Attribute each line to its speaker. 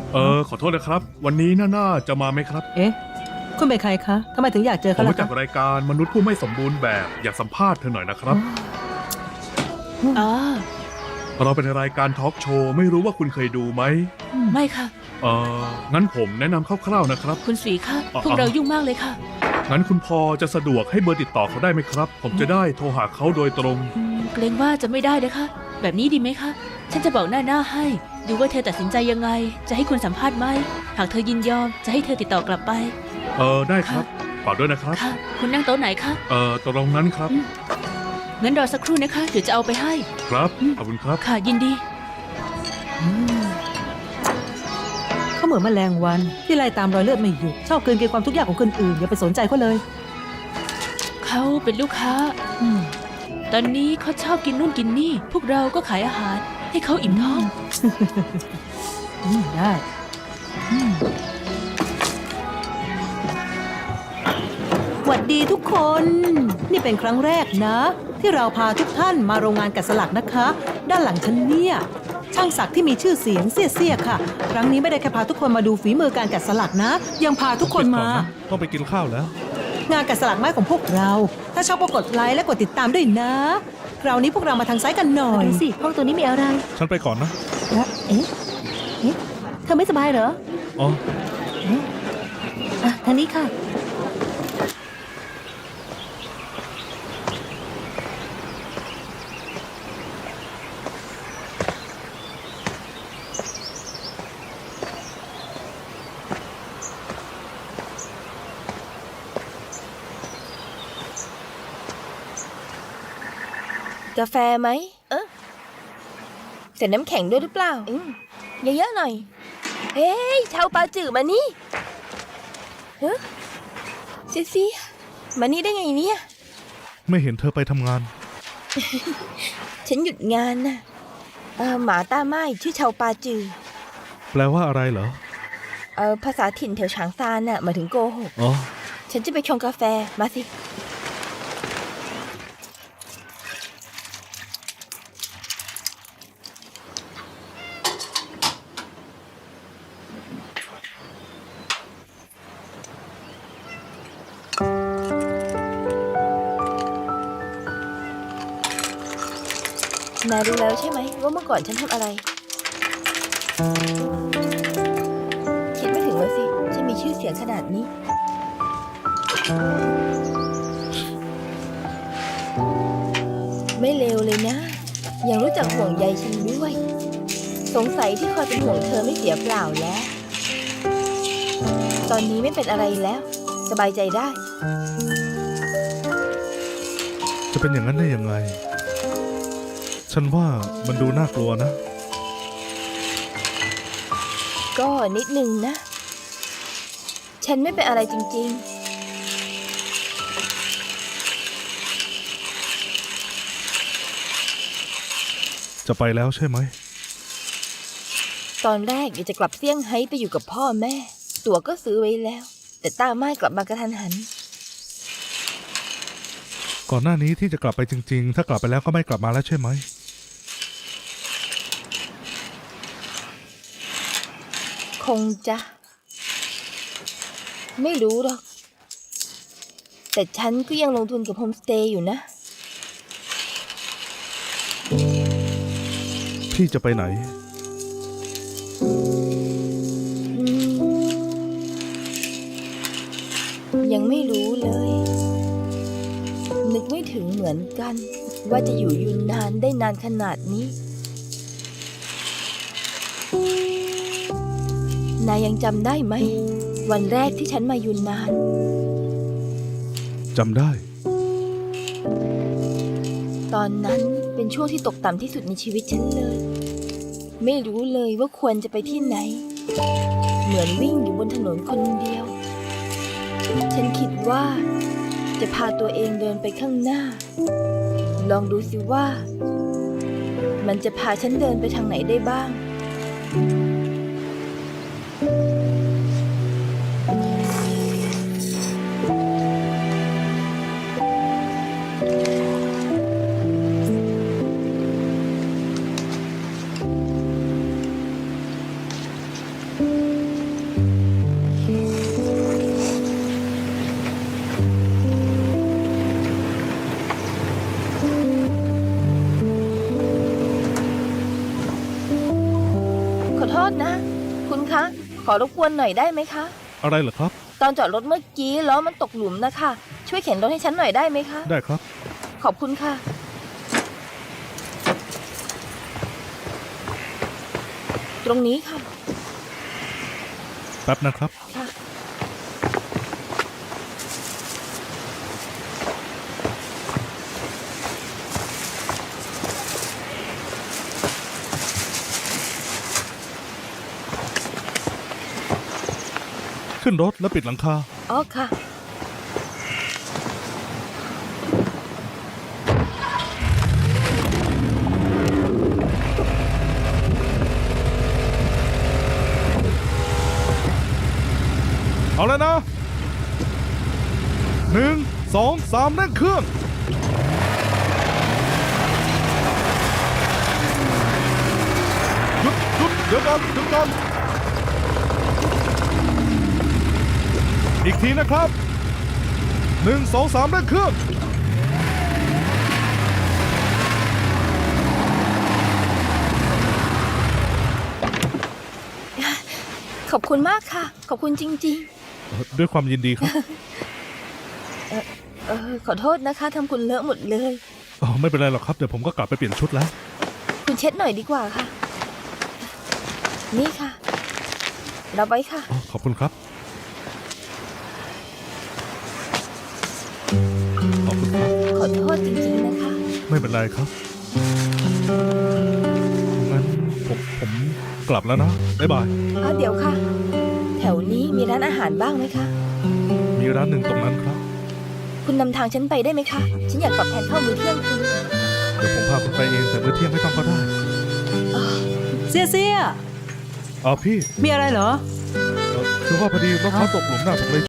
Speaker 1: ขอโทษนะครับวันนี้น่าจะมาไหมครับ
Speaker 2: เอ๊ะคุณเป็นใครคะทำไมถึงอยากเจอ
Speaker 1: ผม
Speaker 2: เขาล่ะ
Speaker 1: มาจาก
Speaker 2: คะ
Speaker 1: รายการมนุษย์ผู้ไม่สมบูรณ์แบบอยากสัมภาษณ์เธอหน่อยนะครับ
Speaker 3: อ๋อ
Speaker 1: เราเป็นรายการทอล์กโชว์ไม่รู้ว่าคุณเคยดูไหม
Speaker 3: ไม่ค่ะ
Speaker 1: งั้นผมแนะนำคร่าวๆนะครับ
Speaker 3: คุณสีคะ
Speaker 1: อ๋อ
Speaker 3: พวกเรายุ่งมากเลยค่ะ
Speaker 1: งั้นคุณพอจะสะดวกให้เบอร์ติดต่อเขาได้ไหมครับ ผมจะได้โทรหาเขาโดยตรง
Speaker 3: เกรงว่าจะไม่ได้นะคะ แบบนี้ดีไหมคะ ฉันจะบอกหน้าให้ ดูว่าเธอตัดสินใจยังไง จะให้คุณสัมภาษณ์ไหม หากเธอยินยอม จะให้เธอติดต่อกลับไป
Speaker 1: ได้ครับฝากด้วยนะครับ
Speaker 3: ค่ะ คุณนั่งโต๊ะไหนคะ
Speaker 1: ตรงนั้นครับ
Speaker 3: งั้นรอสักครู่นะคะ เดี๋ยวจะเอาไปให้
Speaker 1: ครับขอบคุณครับ
Speaker 3: ค่ะ ยินดี
Speaker 2: เขาเหมือนแมลงวันที่ไล่ตามรอยเลือดไม่หยุดชอบเกินเกินความทุกข์ยากของคนอื่นอย่าไปสนใจเขาเลย
Speaker 3: เขาเป็นลูกค้า ตอนนี้เขาชอบกินนู่นกินนี่ พวกเราก็ขายอาหาร ให้เขาอิ่มท้อง
Speaker 2: ได้หวัดดีทุกคน นี่เป็นครั้งแรกนะ ที่เราพาทุกท่านมาโรงงานแกะสลักนะคะ ด้านหลังฉันเนี่ยช่างศักดิ์ที่มีชื่อเสียงเสียๆค่ะ ครั้งนี้ไม่ได้แค่พาทุกคนมาดูฝีมือการแกะสลักนะ ยังพาทุกคนมา
Speaker 4: ต้องไปกินข้าวแล้ว
Speaker 2: งานแกะสลักไม้ของพวกเรา ถ้าชอบก็กดไลค์และกดติดตามด้วยนะ คราวนี้พวกเรามาทางซ้ายกันหน่อย
Speaker 5: ดูสิห้องตัวนี้มีอะไร
Speaker 4: ฉันไปก่อนนะ
Speaker 5: เอ๊ะเธอไม่สบายเหรอ
Speaker 4: อ๋อ
Speaker 5: อ่ะทางนี้ค่ะ
Speaker 6: กาแฟไหมใส่น้ำแข็งด้วยหรือเปล่าเยอะๆหน่อย เฮ้ยชาวปาจื่อมานี่เฮ้เซี่ยมานี่ได้ไงเนี่ย
Speaker 4: ไม่เห็นเธอไปทำงาน
Speaker 6: ฉันหยุดงานน่ะหมาต้าไม้ชื่อชาวปาจือ
Speaker 4: แปลว่าอะไรเหรอ
Speaker 6: ภาษาถิ่นแถวฉางซานน่ะหมายถึงโกหก
Speaker 4: อ๋อ
Speaker 6: ฉันจะไปชงกาแฟมาสินายรู้แล้วใช่ไหมว่าเมื่อก่อนฉันทำอะไร คิดไม่ถึงเลยสิฉันมีชื่อเสียงขนาดนี้ ไม่เลวเลยนะ ยังรู้จักห่วงใยฉันด้วย สงสัยที่คอยเป็นห่วงเธอไม่เสียเปล่าแล้ว ตอนนี้ไม่เป็นอะไรแล้ว สบายใจได้
Speaker 4: จะเป็นอย่างนั้นได้ยังไง ฉันว่ามันดูน่ากลัวนะ
Speaker 6: ก็นิดนึงนะ ฉันไม่เป็นอะไรจริงๆ
Speaker 4: จะไปแล้วใช่ไหม
Speaker 6: ตอนแรกอยากจะกลับเซี่ยงไฮ้ไปอยู่กับพ่อแม่ ตั๋วก็ซื้อไว้แล้ว แต่ต้าไม้กลับมากระทันหัน
Speaker 4: ก่อนหน้านี้ที่จะกลับไปจริงๆ ถ้ากลับไปแล้วก็ไม่กลับมาแล้วใช่ไหม
Speaker 6: คงจะ ไม่รู้หรอก แต่ฉันก็ยังลงทุนกับโฮมสเตย์อยู่นะ
Speaker 4: พี่จะไปไหน
Speaker 6: ยังไม่รู้เลย นึกไม่ถึงเหมือนกัน ว่าจะอยู่ยูนนานได้นานขนาดนี้ นายยังจำได้ไหม วันแรกที่ฉันมายูนนาน
Speaker 4: จำได้
Speaker 6: ตอนนั้นเป็นช่วงที่ตกต่ำที่สุดในชีวิตฉันเลย ไม่รู้เลยว่าควรจะไปที่ไหน เหมือนวิ่งอยู่บนถนนคนเดียว ฉันคิดว่าจะพาตัวเองเดินไปข้างหน้า ลองดูสิว่า มันจะพาฉันเดินไปทางไหนได้บ้างษนะ คุณคะ ขอรบกวนหน่อยได้ไหมคะ
Speaker 4: อะไรเหรอครับ
Speaker 6: ตอนจอดรถเมื่อกี้ล้อมันตกหลุมนะคะ ช่วยเข็นรถให้ฉันหน่อยได้ไหมคะ
Speaker 4: ได้ครับ
Speaker 6: ขอบคุณค่ะ ตรงนี้ค่ะ
Speaker 4: แป๊บนะครับ
Speaker 6: ค่ะ
Speaker 4: ขึ้นรถแล้วปิดหลังคา
Speaker 6: อ๋อค่ะ
Speaker 4: เอาแล้วนะ 1 2 3เร่งเครื่องหยุดเดี๋ยวก่อนอีกทีนะครับ 1 2 3เร่งเครื่อง
Speaker 6: ขอบคุณมากค่ะ ขอบคุณจริง
Speaker 4: ด้วยความยินดีครับ
Speaker 6: ขอโทษนะคะทำคุณเลอะหมดเลย
Speaker 4: อ๋อไม่เป็นไรหรอกครับ เดี๋ยวผมก็กลับไปเปลี่ยนชุดแล้ว
Speaker 6: คุณเช็ดหน่อยดีกว่าค่ะ นี่ค่ะ รับไว้ค่ะ
Speaker 4: อ๋อขอบคุณครับ ขอบคุณครับ
Speaker 6: ขอโทษจริงๆนะคะ
Speaker 4: ไม่เป็นไรครับ งั้นผมกลับแล้วนะ บ๊ายบาย
Speaker 6: เดี๋ยวค่ะ แถวนี้มีร้านอาหารบ้างไหมคะ
Speaker 4: มีร้านหนึ่งตรงนั้นครับ
Speaker 6: คุณนำทางฉันไปได้ไหมคะ ฉันอยากตอบแทนข้าวมื้อเที่ยงคุณ
Speaker 4: เดี๋ยวผมพาคุณไปเองแต่มื้อเที่ยงไม่ต้องก็ได้
Speaker 2: เสียเสีย
Speaker 4: อ๋อพี่
Speaker 2: มีอะไรเหรอ
Speaker 4: คือว่าพอดีรถเขาตกหลุมน่ะผมเลย